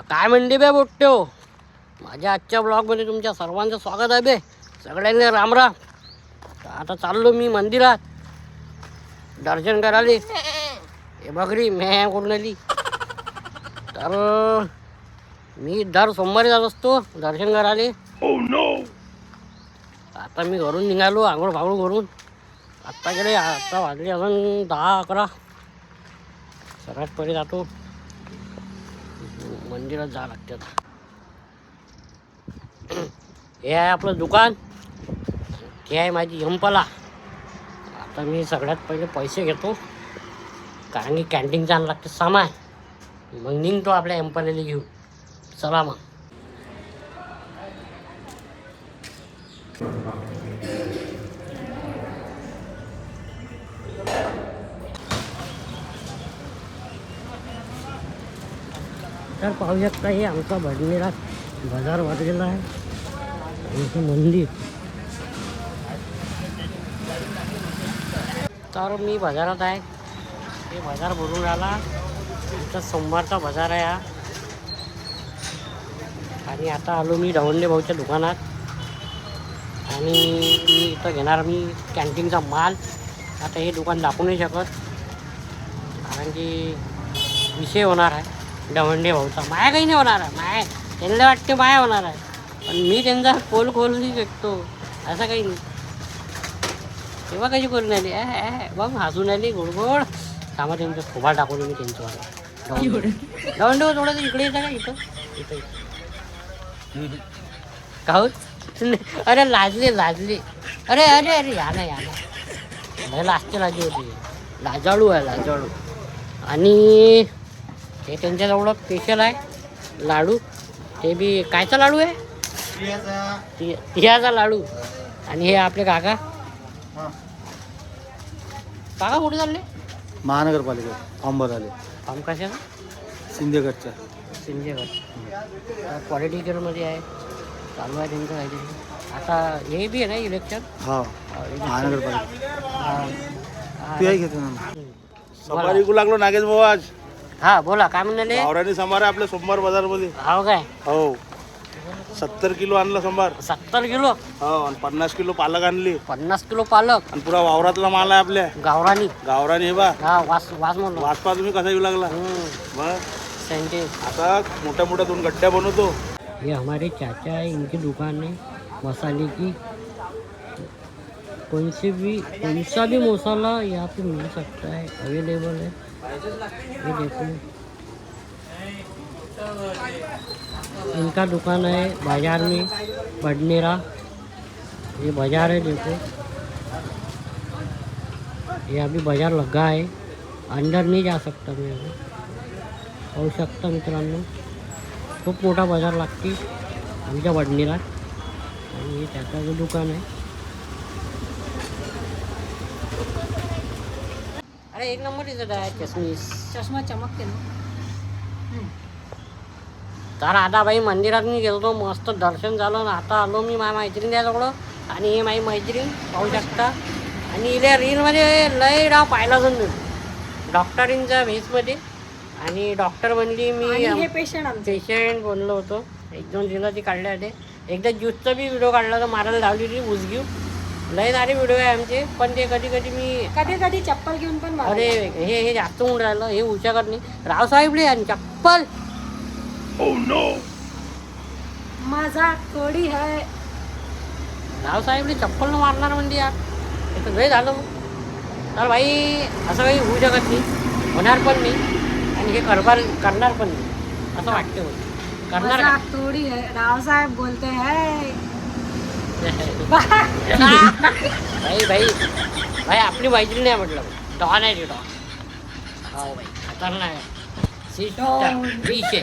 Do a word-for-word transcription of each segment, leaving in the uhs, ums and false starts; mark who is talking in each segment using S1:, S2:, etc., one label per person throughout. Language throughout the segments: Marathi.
S1: काय म्हणते बे बोट्यो, माझ्या आजच्या ब्लॉगमध्ये तुमच्या सर्वांचं स्वागत आहे बे. सगळ्यांनी राम राम. आता चाललो मी मंदिरात दर्शन करायला. हे बघरी मी कोण आली तर मी दर सोमवारी जात असतो दर्शन करायला.
S2: Oh no!
S1: आता मी घरून निघालो आंघोळ फांघोळ करून. आत्ता गेले आता वाजले अजून दहा अकरा. सर्वात पहिले जातो मंदिरात जा लागते. आता हे आहे आपलं दुकान, हे आहे माझी यंपला. आता मी सगळ्यात पहिले पैसे घेतो कारण की कॅन्टीनचं आणायला लागते सामान. मग निघतो आपल्या यंपलेला घेऊन. चला मग. तर पाहू शकता हे आमचा भडनेरा बाजार वाटलेला आहे. आमचं मंदिर. तर मी बाजारात आहे. हे बाजार भरून राहिला. इथं सोमवारचा बाजार आहे हा. आणि आता आलो मी दवंडे भाऊच्या दुकानात. आणि मी इथं घेणार मी कॅन्टीनचा माल. आता हे दुकान दाखवू नाही शकत कारण की विषय होणार आहे दवंडे भाऊचा. माया काही नाही होणार आहे. माया त्यांना वाटते माया होणार आहे पण मी त्यांचा पोल खोलू नाही शकतो असं काही नाही. तेव्हा कशी करून आली ॲ बघ हसून आली गोडगोड. कामा त्यांचं खोबा टाकून मी त्यांच्यावर दवंडे भाऊ थोडंसं इकडे येतं का इथं इथं काहून. अरे लाजले लाजले अरे अरे अरे या ना या ना लाजते लाजी होती. लाजाळू आहे लाजाळू. आणि हे त्यांच्याजवळ स्पेशल आहे लाडू. ते बी कायचा लाडू आहे ति तिळाचा लाडू. आणि हे आपले काका काका कुठे चालले.
S2: महानगरपालिका फॉर्म भराले.
S1: फॉर्म कशाचा.
S2: सिंदेगडच्या
S1: सिंदेगड पॉलिटिकलमध्ये आहे. चालू आहे त्यांचं काहीतरी. आता हे बी आहे ना इलेक्शन.
S2: हा महानगरपालिका तू आहे घेतो ना.
S1: बोला.
S2: को लागलो नागेश भाऊ आज.
S1: हा बोला काय म्हणाले.
S2: गावरानी संभार आहे आपल्या सोमवार बाजार मध्ये.
S1: हो काय.
S2: हो सत्तर किलो आणलं संभार.
S1: सत्तर किलो.
S2: हो आणि पन्नास किलो पालक आणली.
S1: पन्नास किलो पालक.
S2: आणि पुरा वावरातला माल आहे आपल्या
S1: गावरानी.
S2: गावरानी हे बा.
S1: हा वास वास म्हणून
S2: वाचपा तुम्ही कसा येऊ लागला. मग
S1: सेंटेन्स.
S2: आता मोठ्या मोठ्या दोन गड्ड्या बनवतो.
S1: ये हमारे चाचा है, इनकी दुकान है मसाले की. कौन से भी कौन सा भी मसाला यहाँ पे मिल सकता है, अवेलेबल है. ये देखो इनका दुकान है बाजार में बडनेरा. ये बाजार है देखो. ये अभी बाजार लगा है. अंदर नहीं जा सकता मैं अभी. पाहू शकता मित्रांनो खूप मोठा बाजार लागते आमच्या वडनेरात. आणि हे त्याचं दुकान आहे. अरे एक नंबर दिसत आहे चष्मीस.
S3: चष्मा चमकते ना.
S1: तर आता बाई मंदिरात मी गेलो मस्त दर्शन झालं. आता आलो मी माझ्या मैत्रीण याजवळ. आणि हे माझी मैत्रीण पाहू शकता. आणि इल्या रीलमध्ये लय डाव पाहिला जाऊन डॉक्टरींच्या भेसमध्ये. आणि डॉक्टर बनली मी.
S3: हे पेशंट
S1: पेशंट बनलो होतो. एक दोन दिवस ती काढले होते. एकदा ज्यूसचा बी व्हिडिओ काढला होता. मारायला लावली होती उजगीव. लय सारे व्हिडिओ आहे आमचे. पण ते कधी कधी मी
S3: कधी कधी चप्पल घेऊन पण.
S1: अरे हे हे जास्त होऊन राहिलं. हे उशाकत नाही. रावसाहेबले आणि चप्पल.
S2: Oh no!
S3: माझा कोडी आहे.
S1: रावसाहेबले चप्पल न मारणार म्हणजे यार हे तर लय झालं. तर भाई असं काही होऊ शकत नाही. होणार पण नाही. आणि हे करणार करणार पण नाही असं वाटतं. करणार
S3: माझा कोडी है. रावसाहेब बोलते है.
S1: भाई भाई भाई आपली मैत्रीण नाही म्हटलं. डॉन आहे ती डॉन. हो भाई खतरनाक आहे. विषय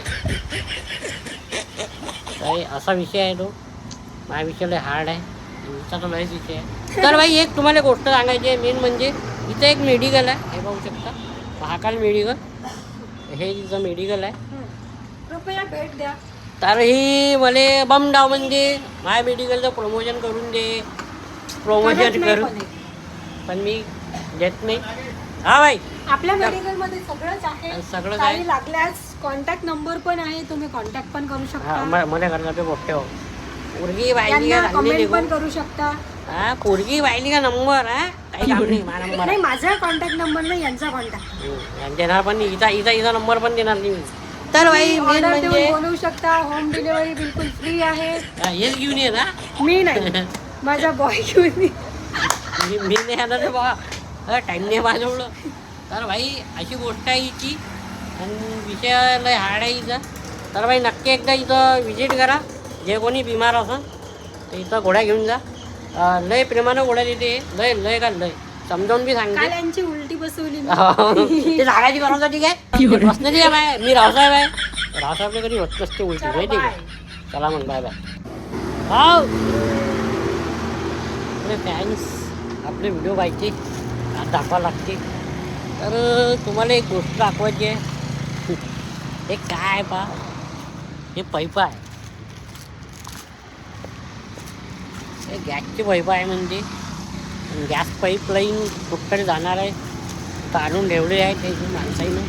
S1: भाई असा विषय आहे तो. माझा विषय लय हार्ड आहे. तुमचा तो लयच विषय आहे. तर भाई एक तुम्हाला गोष्ट सांगायची आहे मेन म्हणजे इथं एक मेडिकल आहे. हे पाहू शकता महाकाल मेडिकल. हे तिचं मेडिकल आहे.
S3: कृपया भेट द्या.
S1: तर ही मला बम डाव म्हणजे माझ्या मेडिकलचं प्रमोशन करून दे. प्रमोशन करू पण मी देत नाही. हा भाई
S3: आपल्या मेडिकल मध्ये सगळंच आहे.
S1: सगळं
S3: काही
S1: काय
S3: लागल्यास कॉन्टॅक्ट नंबर पण आहे, तुम्ही कॉन्टॅक्ट पण करू
S1: हा
S3: शकता.
S1: म- मला करणार ते मोठे हो पोरगी बायली का
S3: त्यांना
S1: चांगली
S3: कमेंट
S1: निघू
S3: पण करू शकता.
S1: हा पोरगी बायली का नंबर हा काही काम नाही माझा नंबर
S3: नाही, माझा कॉन्टॅक्ट नंबर नाही, यांचा कॉन्टॅक्ट.
S1: आहे. देणार पण नाही, हिचा हिचा हिचा नंबर पण देणार नाही मी. तर भाई मेन
S3: ऑर्डर
S1: म्हणजे
S3: देऊन बोलवू शकता. होम डिलिव्हरी बिलकुल फ्री आहे.
S1: हा, हेच घेऊन ये ना
S3: मी नाही, माझा बॉय घेऊन ये.
S1: मी मी नाही येणार रे बाबा टाईम नाही माझ्याजवळ. तर भाई अशी गोष्ट आहे हिची आणि विषय लय हार्ड आहे हिचा. तर भाई नक्की एकदा इथं विजिट करा. जे कोणी बिमार असन तर इथं गोळ्या घेऊन जा. अं, लय प्रेमानं गोळ्या देते, लय लय का लय समजावून बी सांगते.
S3: काल यांची उलटी बसवली मी.
S1: ते सांगायची गरज होती काय बसण्याची काय बाय मी रावसाहेब आहे रावसाहेबला कधी होत नसते उलटी
S3: चला,
S1: माहिती
S3: bye.
S1: का. चला मग बाय बाय. हाव आपले फॅन्स आपले व्हिडिओ पाहिजे आज दाखवा लागते. तर तुम्हाला एक गोष्ट दाखवायची आहे. हे काय पा हे पैप आहे, हे गॅसची पैप आहे. म्हणजे गॅस पाईपलाईन कुठकडे जाणार आहे काढून ठेवले आहे ते माणसाईनं.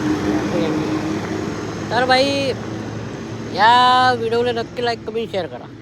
S1: तर भाई या व्हिडिओला नक्की लाईक कमेंट शेअर करा.